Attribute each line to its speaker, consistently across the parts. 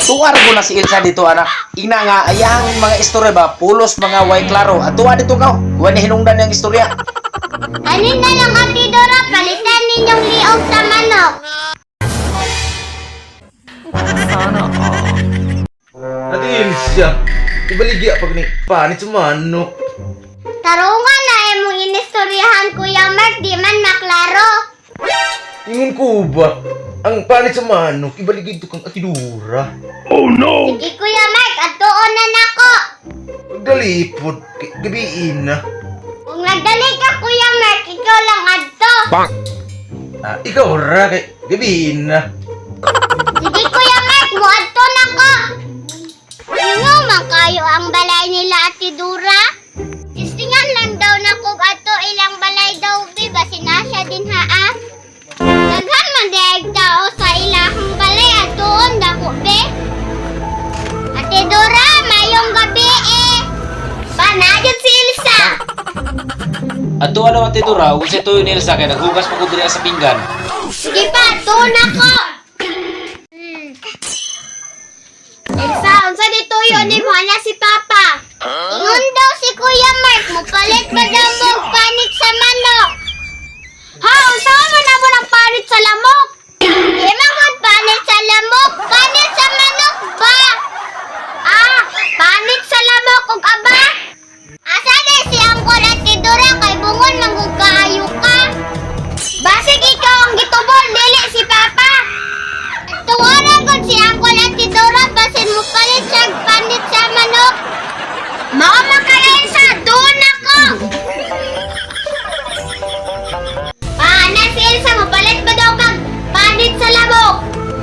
Speaker 1: Tuwar ko na si Elsa dito anak. Ina nga ayang mga istorya ba pulos mga way klaro. At tuwa dito ka. Wala hinungdan yung istorya.
Speaker 2: Anin na lang Ate Dora, palitan ninyong liog sa manok.
Speaker 3: Sana all.
Speaker 4: Ate Ilsa, ibaligya pag ni panit sa manok.
Speaker 2: Tarungan na emong inistoryahan Kuya Mark, di man maklaro.
Speaker 4: Ingon ko ba? Ang panit sa manok, ibaligya ito kang Ate Dora.
Speaker 2: Sige Kuya Mark, atuon na nako.
Speaker 4: Pagdalipod, gabiin na.
Speaker 2: Kung nagdali ka Kuya Mark, ikaw lang adto.
Speaker 4: Ikaw ra, kay gabiin na.
Speaker 2: Sige Kuya Mark, mo adto nako. Sino man kayo ang balay nila Ate Dora? Istingan lang daw na kung ato ilang balay daw, be, basin na siya din haa. Daghan man daig tao sa ilahang balay, atoon dako, be. Ate Dora, mayong gabi eh. Panagad si Elsa.
Speaker 1: At tuwa naman Ate Dora. Kung siya tuyo ni Elsa kaya naghugas pa ko diri sa pinggan.
Speaker 2: Sige pa, atoon ako. Elsa, unsa dito yun ni mo na si Papa? Ingon daw si Kuya Mark, mupalit ba daw mo panit sa manok? Ha, unsa man na mo ng panit sa lamok? Di man panit sa lamok, panit sa manok ba? Ah, panit sa lamok ug aba? Asa na si Angkol Ate Dora kay bungon manggug kaayo ka? Basig ikaw ang gitubol, dili si Papa. Tuwaran ko si Angkol Ate Dora, basin mo palit siya panit sa manok. Mao makarin sa doon ako. Paana si Elsa, mapalit ba daw kag panit sa lamok?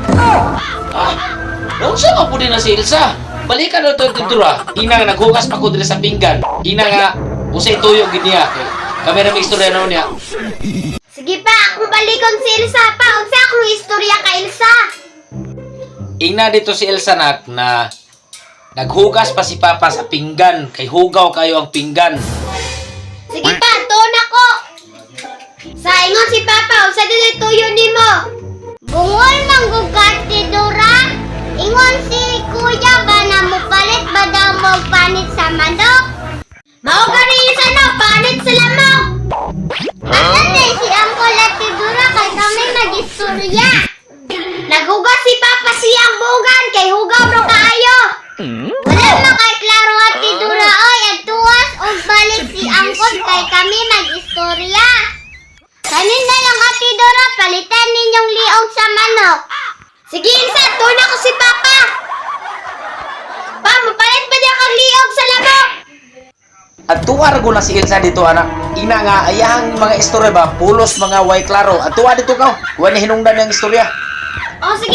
Speaker 1: Doon siya ka po din na si Elsa. Balikan na ito Ate Dora. Ina nga naghugas pa ko diri sa pinggan. Ina nga usay tuyo gid niya. Kami na may istorya na niya.
Speaker 2: Sige pa, akong balikon si Elsa pa. Unsa akong istorya ka Elsa?
Speaker 1: Ina dito si Elsa nak na naghugas pa si Papa sa pinggan. Kay hugaw kayo ang pinggan.
Speaker 2: Sige pa, tuon ako. Sa ingon si Papa, unsa dili tuyo nimo? Bungol manggug ka Ate Dora. Ingon si Kuya ba na mupalit ba daw mo panit sa manok? Mao gani isa no, panit sa lamok. Asan na si Angkol Ate Dora kay kami mag-istorya. Naghugas si Papa siyang bugan kay hugaw ro kaayo. Wala makay klaro Ate Dora oy, adtuwas og balik si Angkol kay kami mag-istorya. Kanin na lang Ate Dora, palitan ninyong liog sa manok. Sige Elsa, tuon ako si Papa. Pa, mapalit ba niya kang liog sa lamok?
Speaker 1: At tuwar ko na si Elsa dito anak. Ina nga ayang mga istorya ba pulos mga way klaro. At tuwa dito ka. Wala hinungdan yung istorya.
Speaker 2: O sige